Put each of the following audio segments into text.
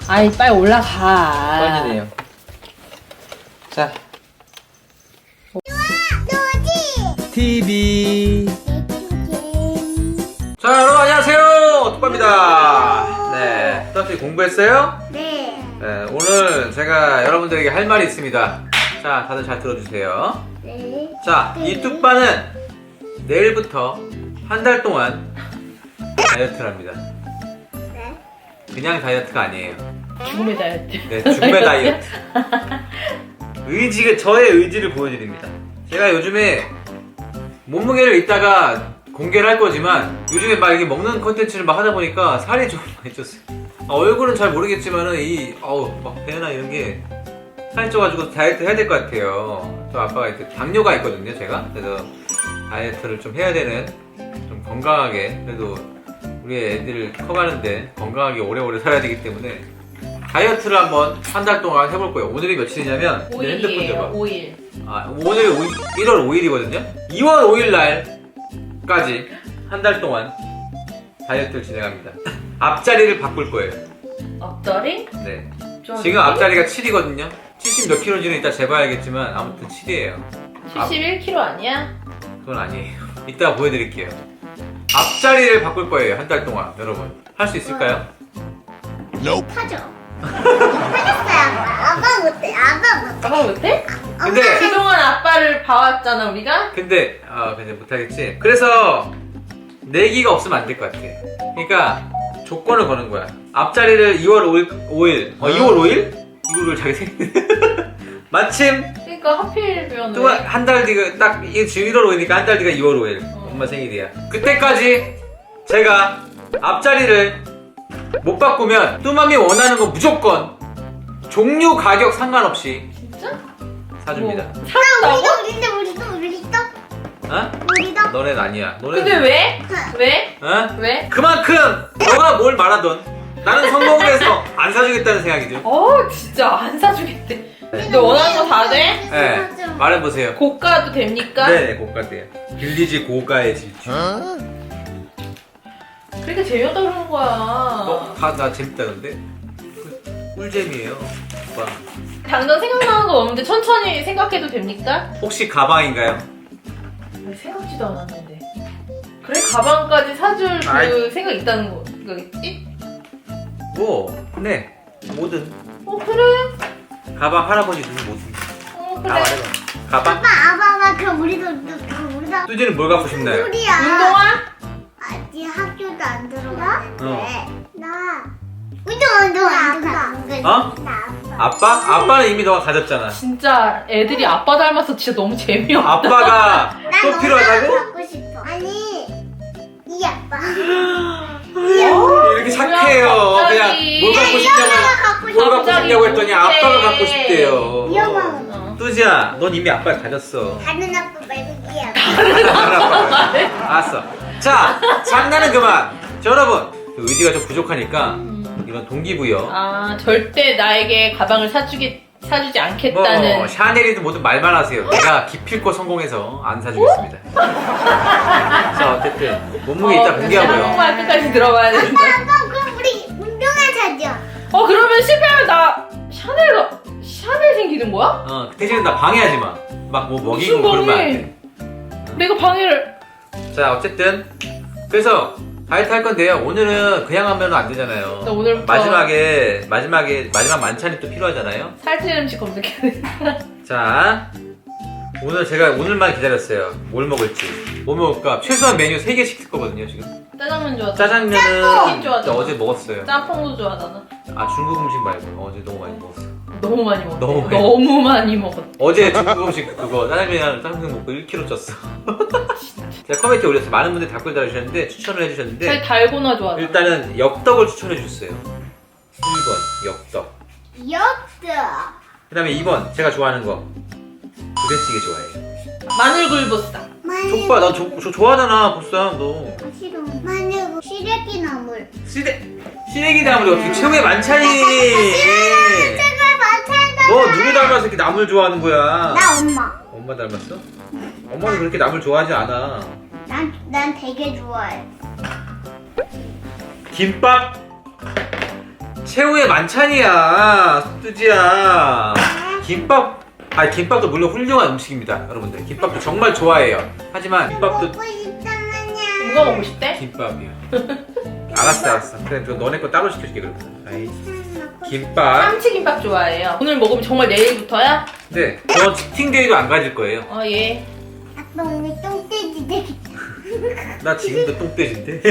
아이 빨리 올라가. 빠지네요. 자. TV. 자, 여러분 안녕하세요. 뚜빠입니다. 네, 뚜빠씨 공부했어요? 네. 네, 오늘 제가 여러분들에게 할 말이 있습니다. 자, 다들 잘 들어주세요. 네. 자, 이 뚜빠는 내일부터 한 달 동안 다이어트를 합니다. 네. 그냥 다이어트가 아니에요. 죽음의 다이어트. 네, 죽음의 다이어트. 저의 의지를 보여드립니다. 제가 요즘에 몸무게를 이따가 공개를 할 거지만 요즘에 막 이렇게 먹는 컨텐츠를 막 하다 보니까 살이 좀 많이 쪘어요. 얼굴은 잘 모르겠지만은 막 배나 이런 게 살이 쪄가지고 다이어트 해야 될 것 같아요. 저 아빠가 이렇게 당뇨가 있거든요, 제가. 그래서 다이어트를 좀 해야 되는, 좀 건강하게, 그래도 우리 애들 커가는데 건강하게 오래오래 살아야 되기 때문에 다이어트를 한번 한 달 동안 해볼 거예요. 오늘이 며칠이냐면 내 핸드폰 5일이에요. 줘봐. 5일. 오늘 1월 5일이거든요. 2월 5일 날까지 한 달 동안 다이어트를 진행합니다. 앞자리를 바꿀 거예요. 앞다리? 네. 좀 지금 앞자리가 7이거든요. 70 몇 킬로인지는 이따 재봐야겠지만 아무튼 7이에요. 71kg 아니야? 그건 아니에요. 이따 보여드릴게요. 앞자리를 바꿀 거예요. 한 달 동안. 여러분 할 수 있을까요? 타죠. 타졌어요. 아빠 못해. 아빠 못해. 아빠 못해? 근데 그동안 아빠를 봐왔잖아 우리가? 근데 못하겠지. 그래서 내기가 없으면 안 될 것 같아. 그러니까 조건을 거는 거야. 앞자리를 2월 5일 2월 5일? 이거를 자기 생일 마침 그러니까 하필이면 또 한 달 뒤가 딱 이게 지금 1월 5일이니까 한 달 뒤가 2월 5일 엄마 생일이야. 그때까지 제가 앞자리를 못 바꾸면 뚜맘이 원하는 거 무조건 종류 가격 상관없이 진짜? 사줍니다. 사준다고? 우리도. 어? 우리도. 너넨 아니야. 근데 왜? 왜? 어? 왜? 그만큼 너가 뭘 말하던 나는 성공을 해서 안 사주겠다는 생각이죠. 진짜 안 사주겠대. 근데 원하는 거 다 돼? 네, 말해보세요. 고가도 됩니까? 네네, 고가돼요. 빌리지 고가의 질주. 그러니까 재미없다 그러는 거야. 나 재밌다던데? 꿀잼이에요, 오빠. 당장 생각나는 거 없는데 천천히 생각해도 됩니까? 혹시 가방인가요? 생각지도 않았는데. 그래 가방까지 사줄 그 아이. 생각 있다는 거겠지? 네. 뭐든. 그래? 가방 할아버지 주는 뭐든. 그래. 다 말해봐. 가방? 아빠 그럼 우리도. 뚜지는 뭘 갖고 싶나요? 우리야. 운동화? 아직 학교도 안 들어갔는데. 어. 나. 운동 안 가. 어? 나 아빠? 아빠는 이미 너가 가졌잖아. 진짜 애들이 아빠 닮아서 진짜 너무 재미없다. 아빠가 또 필요하다고? 갖고 싶어. 아니 이 아빠. 이렇게 착해요. 뭐야, 그냥 갑자기. 뭘 갖고 싶냐고, 갖고 싶어. 뭘 갖고 싶냐고 했더니 갑자기 아빠가 갖고 싶대요. 이 엄마는 뚜지야, 넌 이미 아빠를 가졌어. 다른 아빠 말고 이 아빠. 알았어. 자, 장난은 그만. 자, 여러분, 의지가 좀 부족하니까 이런 동기부여. 절대 나에게 가방을 사주지 않겠다는. 뭐 샤넬이든 뭐든 말만 하세요. 내가 기필코 성공해서 안 사주겠습니다. 자, 어쨌든 몸무게 이따 공개하고요. 한국말 끝까지 들어봐야 된다. 아빠 그럼 우리 운동화 사줘. 그러면 실패하면 나 샤넬 생기는 거야? 그 대신에 나 방해하지 마. 막 뭐 먹이고 무슨 그러면 안 방해? 돼. 내가 방해를. 자, 어쨌든 그래서 다이어트 할 건데요. 오늘은 그냥 하면 안 되잖아요. 나 오늘부터 마지막 만찬이 또 필요하잖아요. 살찌는 음식 검색해야 돼. 자, 제가 오늘만 기다렸어요. 뭘 먹을지. 뭐 먹을까? 최소한 메뉴 3개 시킬 거거든요, 지금. 짜장면 좋아하잖아. 짜장면은 좋아하잖아. 어제 먹었어요. 짬뽕도 좋아하잖아. 중국 음식 말고 어제 너무 많이 먹었어. 너무 많이 먹었어. 너무 많이 너무 많이 먹었어. 어제 중국 음식 그거 짜장면이랑 짬뽕 먹고 1kg 쪘어. 제가 커뮤니티 올렸어요. 많은 분들이 댓글 달아주셨는데 추천을 잘 해주셨는데 달고나 좋아하잖아. 일단은 엽떡을 추천해 주셨어요. 1번 엽떡. 엽떡. 그 다음에 2번 제가 좋아하는 거 부대찌개 좋아해요. 마늘굴보쌈. 족발 나 저 좋아하잖아 보쌈 너. 싫어. 마늘 시래기 나물. 시래기 나물이 어떻게 최후의 만찬이. 제발 반찬다. 너 누구 닮아서 이렇게 나물 좋아하는 거야? 나 엄마. 엄마 닮았어? 엄마는 그렇게 나물 좋아하지 않아. 난 되게 좋아해. 김밥 최후의 만찬이야, 속두지야. 김밥, 김밥도 물론 훌륭한 음식입니다, 여러분들. 김밥도 정말 좋아해요. 하지만 김밥도 먹고 싶다면야. 누가 먹고 싶대? 김밥이야. 알았어. 그래, 저 너네 거 따로 시켜줄게 그러면. 아이, 김밥. 참치김밥 좋아해요. 오늘 먹으면 정말 내일부터야? 네, 저 치팅데이도 안 가질 거예요. 예. 아빠 오늘 똥돼지 되겠다. 나 지금도 똥돼지인데.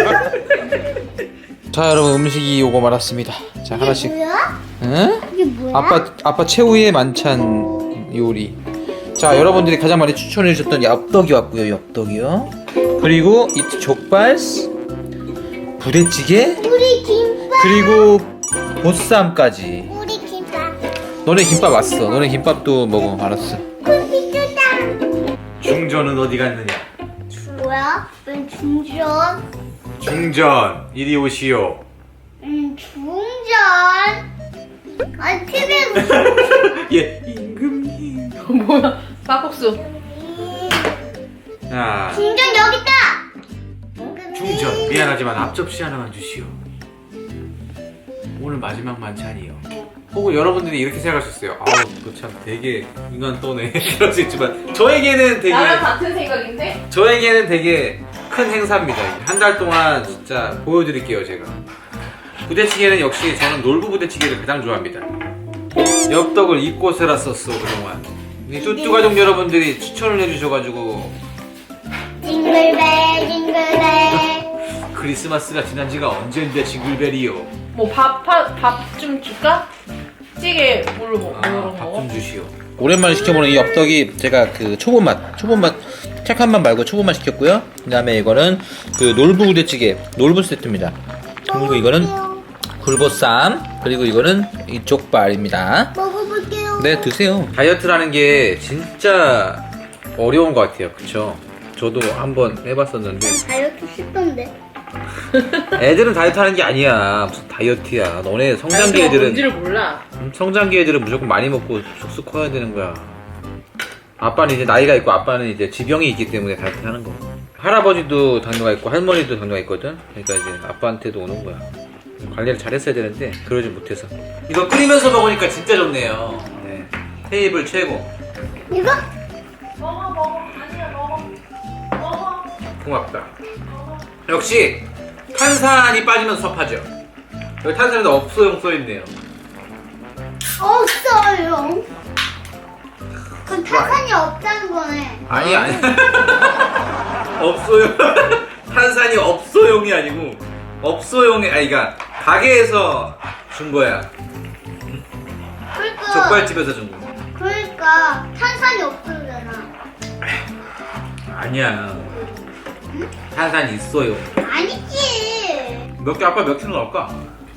자, 여러분 음식이 오고 말았습니다. 자, 하나씩. 뭐야? 응? 이게 뭐야? 아빠 최후의 만찬 요리. 자, 여러분들이 가장 많이 추천해 주셨던 엽떡이 왔고요. 엽떡이요. 그리고 이 족발, 부대찌개, 우리 김밥. 그리고 보쌈까지. 우리 김밥. 너네 김밥 왔어. 너네 김밥도 먹어. 알았어. 컴퓨터다. 중전은 어디 갔느냐? 뭐야? 웬 중전? 중전 이리 오시오. 중전. 아니 TV에 예, 임금님. 뭐야? 막국수. 자, 중전 여기 있다. 중전 미안하지만 앞접시 하나만 주시오. 오늘 마지막 만찬이요. 혹은 여러분들이 이렇게 생각하셨어요. 아우, 너 참 되게 인간 떠네. 그럴 수 있지만 저에게는 되게 나랑 같은 생각인데? 큰 행사입니다. 한 달 동안 진짜 보여드릴게요, 제가. 부대찌개는 역시 저는 놀부 부대찌개를 가장 좋아합니다. 엽떡을 이꼬세라 썼어 그동안. 이 뚜뚜 가족 여러분들이 추천을 해주셔가지고 징글벨 징글벨. 크리스마스가 지난 지가 언젠데 징글벨이요. 뭐 밥 좀 줄까? 찌개 뭘로 먹어? 밥 좀 주시오. 오랜만에 시켜보는 이 엽떡이 제가 그 초보맛 착한 맛 말고 초보맛 시켰고요. 그 다음에 이거는 그 놀부 부대찌개 놀부 세트입니다. 그리고 이거는 굴보쌈, 그리고 이거는 이 족발입니다. 먹어볼게요. 네, 드세요. 다이어트라는 게 진짜 어려운 것 같아요. 그쵸? 저도 한번 해봤었는데 다이어트 쉽던데. 애들은 다이어트 하는 게 아니야. 무슨 다이어트야. 너네 성장기 애들은 뭔지를 몰라. 성장기 애들은 무조건 많이 먹고 쑥쑥 커야 되는 거야. 아빠는 이제 나이가 있고 아빠는 이제 지병이 있기 때문에 다이어트 하는 거. 할아버지도 당뇨가 있고 할머니도 당뇨가 있거든. 그러니까 이제 아빠한테도 오는 거야. 관리를 잘했어야 되는데 그러지 못해서. 이거 끓이면서 먹으니까 진짜 좋네요. 네. 테이블 최고. 이거? 먹어. 아니야, 먹어. 고맙다. 역시 탄산이 빠지면 섭하죠. 여기 탄산에도 없어용 써있네요. 없어요. 그럼 탄산이 없다는 거네. 아니 없어용. 탄산이 없어용이 아니고 없어용이 그러니까 가게에서 준 거야. 그러니까. 족발집에서 준 거. 그러니까 탄산이 없어잖아. 아니야. 탄산이 있어요. 아니지. 몇 개 아빠 몇 킬로 나올까?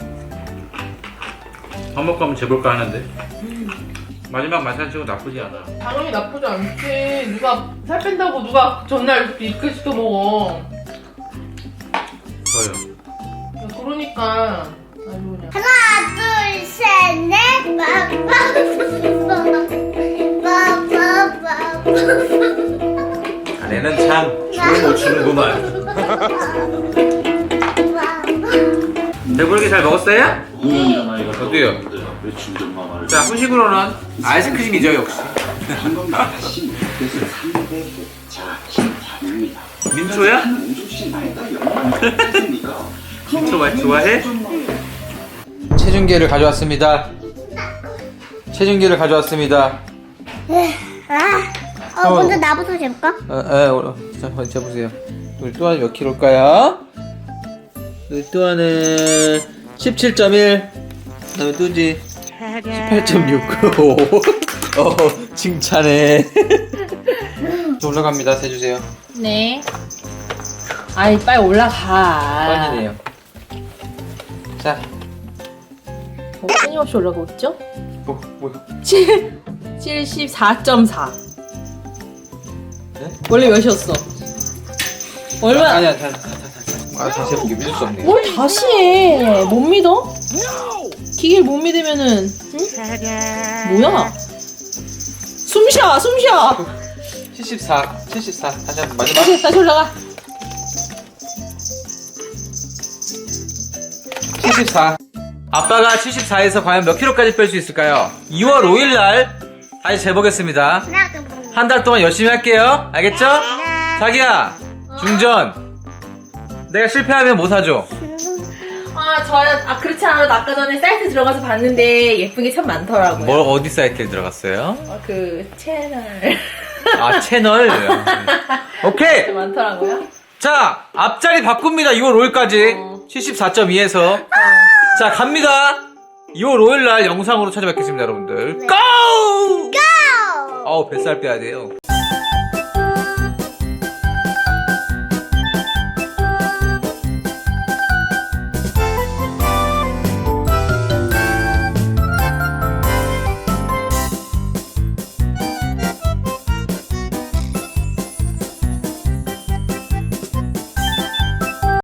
밥 먹고 한번 재볼까 하는데. 마지막 만찬 치고 나쁘지 않아. 당연히 나쁘지 않지. 누가 살 뺀다고 누가 전날 이렇게 시켜 먹어. 저요. 야, 그러니까. 아주 그냥. 하나, 둘, 셋, 넷. 자네는 참 춤을 못 추는구만. 배부르게 잘 먹었어요? 저도요. 자, 후식으로는 아이스크림이죠, 역시. 민초야? 민초 맛 좋아해? 체중계를 가져왔습니다. 체중계를 가져왔습니다. 먼저 나부터 재볼까? 자, 재보세요. 우리 또한 몇 킬로일까요? 우리 또한은 17.1. 그다음에 뚜지 18.6. 칭찬해. 올라갑니다. 세주세요. 네. 아이, 빨리 올라가. 빠지네요. 자, 끊임없이 올라가고 있죠? 뭐야? 74.4. 네? 원래 몇이었어? 얼마? 아니야, 다시 해볼게. 믿을 수 없네. 뭘 다시 해? 못 믿어? 기계를 못 믿으면은 응? 뭐야? 숨쉬어. 74. 다시 한번 마지막. 다시 올라가. 74. 아빠가 74에서 과연 몇 킬로까지 뺄 수 있을까요? 2월 5일 날 다시 재보겠습니다. 한 달 동안 열심히 할게요. 알겠죠? 자기야, 중전. 내가 실패하면 뭐 사줘? 그렇지 않아도 아까 전에 사이트 들어가서 봤는데 예쁜 게 참 많더라고요. 뭘 어디 사이트에 들어갔어요? 그 채널. 아, 채널. 오케이. 많더라고요. 자, 앞자리 바꿉니다. 2월 5일까지 74.2에서 자, 갑니다. 2월 5일 날 영상으로 찾아뵙겠습니다, 여러분들. 고! 고! 뱃살 빼야 돼요.